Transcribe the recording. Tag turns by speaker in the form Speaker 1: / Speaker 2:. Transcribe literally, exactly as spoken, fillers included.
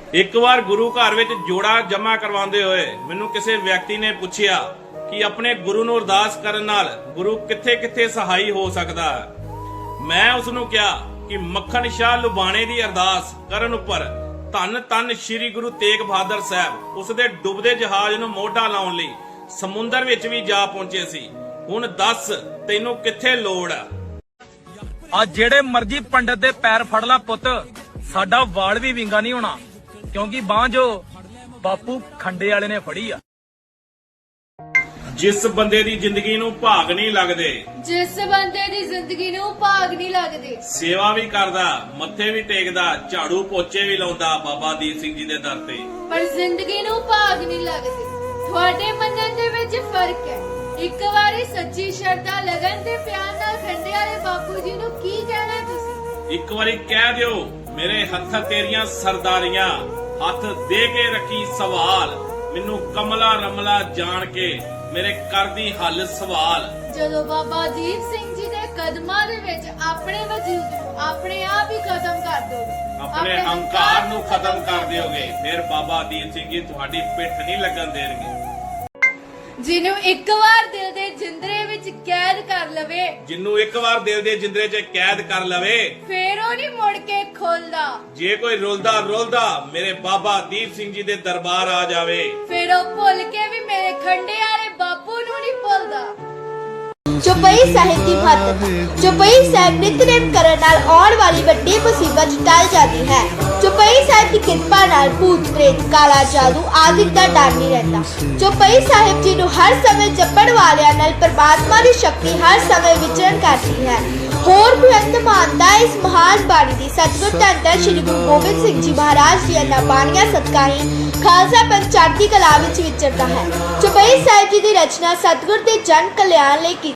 Speaker 1: ਇੱਕ ਵਾਰ ਗੁਰੂ ਘਰ ਵਿੱਚ ਜੋੜਾ ਜਮਾ ਕਰਵਾਉਂਦੇ ਹੋਏ ਮੈਨੂੰ ਕਿਸੇ ਵਿਅਕਤੀ ਨੇ ਪੁੱਛਿਆ ਕਿ ਆਪਣੇ ਗੁਰੂ ਨੂੰ ਅਰਦਾਸ ਕਰਨ ਨਾਲ ਗੁਰੂ ਕਿੱਥੇ-ਕਿੱਥੇ ਸਹਾਈ ਹੋ ਸਕਦਾ ਹੈ। ਮੈਂ ਉਸ ਨੂੰ ਕਿਹਾ ਕਿ ਮੱਖਣ ਸ਼ਾਹ ਲੁਬਾਣੇ ਦੀ ਅਰਦਾਸ ਕਰਨ ਉੱਪਰ ਧੰਨ ਧੰਨ ਸ੍ਰੀ ਗੁਰੂ ਤੇਗ ਬਹਾਦਰ ਸਾਹਿਬ ਉਸ ਦੇ ਡੁੱਬਦੇ ਜਹਾਜ਼ ਨੂੰ ਮੋਢਾ ਲਾਉਣ ਲਈ ਸਮੁੰਦਰ ਵਿੱਚ ਵੀ ਜਾ ਪਹੁੰਚੇ ਸੀ। ਹੁਣ ਦੱਸ ਤੈਨੂੰ ਕਿੱਥੇ ਲੋੜ ਆ?
Speaker 2: ਆ ਜਿਹੜੇ ਮਰਜੀ ਪੰਡਤ ਦੇ ਪੈਰ ਫੜ ਲਾ ਪੁੱਤ, ਸਾਡਾ ਵਾਲ ਵੀ ਵਿੰਗਾ ਨਹੀਂ ਹੋਣਾ, ਕਿਉਂਕਿ ਬਾਂਹ ਜੋ ਬਾਪੂ ਖੰਡੇ ਵਾਲੇ ਨੇ ਫੜੀ ਆ।
Speaker 1: ਜਿਸ ਬੰਦੇ ਦੀ ਜ਼ਿੰਦਗੀ ਨੂੰ ਭਾਗ ਨਹੀਂ ਲੱਗਦੇ,
Speaker 3: ਜਿਸ ਬੰਦੇ ਦੀ ਜ਼ਿੰਦਗੀ ਨੂੰ ਭਾਗ ਨਹੀਂ ਲੱਗਦੇ,
Speaker 1: ਸੇਵਾ ਵੀ ਕਰਦਾ, ਮੱਥੇ ਵੀ ਟੇਕਦਾ, ਝਾੜੂ ਪੋਚੇ ਵੀ ਲਾਉਂਦਾ ਬਾਬਾ ਦੀਪ ਸਿੰਘ ਜੀ ਦੇ ਦਰ ਤੇ,
Speaker 3: ਪਰ ਜ਼ਿੰਦਗੀ ਨੂੰ ਭਾਗ ਨਹੀਂ ਲੱਗਦੇ। ਤੁਹਾਡੇ ਮੰਨਣ ਦੇ ਵਿੱਚ ਫਰਕ ਹੈ। ਇੱਕ ਵਾਰੀ ਸੱਚੀ ਸ਼ਰਧਾ ਲਗਨ ਤੇ ਪਿਆਰ ਨਾਲ ਖੰਡੇ ਵਾਲੇ ਬਾਪੂ ਜੀ ਨੂੰ ਕੀ ਕਹਿਣਾ ਤੁਸੀਂ?
Speaker 1: ਇੱਕ ਵਾਰੀ ਕਹਿ ਦਿਓ, ਮੇਰੇ ਹੱਥ ਤੇਰੀਆਂ ਸਰਦਾਰੀਆਂ, ਹੱਥ ਦੇ ਕੇ ਰੱਖੀ ਸਵਾਲ, ਮੈਨੂੰ ਕਮਲਾ ਰਮਲਾ ਜਾਣ ਕੇ ਮੇਰੇ ਕਰਦੀ ਹੱਲ ਸਵਾਲ।
Speaker 3: ਜਦੋਂ ਬਾਬਾ ਦੀਪ ਸਿੰਘ ਜੀ ਦੇ ਕਦਮਾਂ ਦੇ ਵਿੱਚ ਆਪਣੇ ਵਜੂਦ ਨੂੰ ਆਪਣੇ ਆਪ ਹੀ ਖਤਮ ਕਰ ਦੋਗੇ,
Speaker 1: ਆਪਣੇ ਹੰਕਾਰ ਨੂੰ ਖਤਮ ਕਰ ਦਿਓਗੇ, ਫਿਰ ਬਾਬਾ ਦੀਪ ਸਿੰਘ ਜੀ ਤੁਹਾਡੀ ਪਿੱਠ ਨਹੀਂ ਲੱਗਣ ਦੇਣਗੇ।
Speaker 3: ਜਿਹਨੂੰ ਇੱਕ ਵਾਰ ਦਿਲ ਦੇ ਜਿੰਦਰੇ ਵਿੱਚ ਕੈਦ ਕਰ ਲਵੇ,
Speaker 1: ਜਿਹਨੂੰ ਇੱਕ ਵਾਰ ਦਿਲ ਦੇ ਜਿੰਦਰੇ 'ਚ ਕੈਦ ਕਰ ਲਵੇ,
Speaker 3: ਫੇਰ ਉਹ ਨਹੀਂ ਮੁੜ ਕੇ ਖੁੱਲਦਾ।
Speaker 1: ਜੇ ਕੋਈ ਰੁਲਦਾ ਰੁਲਦਾ ਮੇਰੇ ਬਾਬਾ ਦੀਪ ਸਿੰਘ ਜੀ ਦੇ ਦਰਬਾਰ ਆ ਜਾਵੇ,
Speaker 3: ਫੇਰ ਉਹ ਭੁੱਲ ਕੇ ਵੀ ਮੇਰੇ ਖੰਡੇ ਵਾਲੇ ਬਾਪੂ ਨੂੰ ਨਹੀਂ ਭੁੱਲਦਾ।
Speaker 4: ਚੌਪਈ ਸਾਹਿਬ ਦੀ ਮਹੱਤਤਾ। ਚੌਪਈ ਸਾਹਿਬ ਨਿਤਨੇਮ ਕਰਨ ਨਾਲ ਆਉਣ ਵਾਲੀ ਵੱਡੀ ਮੁਸੀਬਤ ਟਲ ਜਾਂਦੀ ਹੈ। ਚੌਪਈ ਸਾਹਿਬ ਦੀ ਕਿਰਪਾ ਨਾਲ ਭੂਤ ਪ੍ਰੇਤ, ਕਾਲਾ ਜਾਦੂ ਆਦਿ ਦਾ ਡਰ ਨਹੀਂ ਰਹਿੰਦਾ। ਚੌਪਈ ਸਾਹਿਬ ਜੀ ਨੂੰ ਹਰ ਸਮੇਂ ਜਪਣ ਵਾਲਿਆਂ ਨਾਲ ਪਰਮਾਤਮਾ ਦੀ ਸ਼ਕਤੀ ਹਰ ਸਮੇਂ ਵਿਚਰਨ ਕਰਦੀ ਹੈ। ਹੋਰ ਬੇਅੰਤ ਮਾਨਤਾ ਇਸ ਮਹਾਨ ਬਾਣੀ ਦੀ। ਸਤਿਗੁਰ ਧੰਨ ਧੰਨ ਸ੍ਰੀ ਗੁਰੂ ਗੋਬਿੰਦ ਸਿੰਘ ਜੀ ਮਹਾਰਾਜ ਦੀਆਂ ਇਹਨਾਂ ਬਾਣੀਆਂ ਸਦਕਾ ਹੀ ਖਾਲਸਾ ਪੰਥ ਚੜ੍ਹਦੀ ਕਲਾ ਵਿੱਚ ਵਿਚਰਦਾ ਹੈ। ਚੌਪਈ ਸਾਹਿਬ ਜੀ ਦੀ ਰਚਨਾ ਸਤਿਗੁਰ ਦੇ ਜਨ ਕਲਿਆਣ ਲਈ ਕੀਤੀ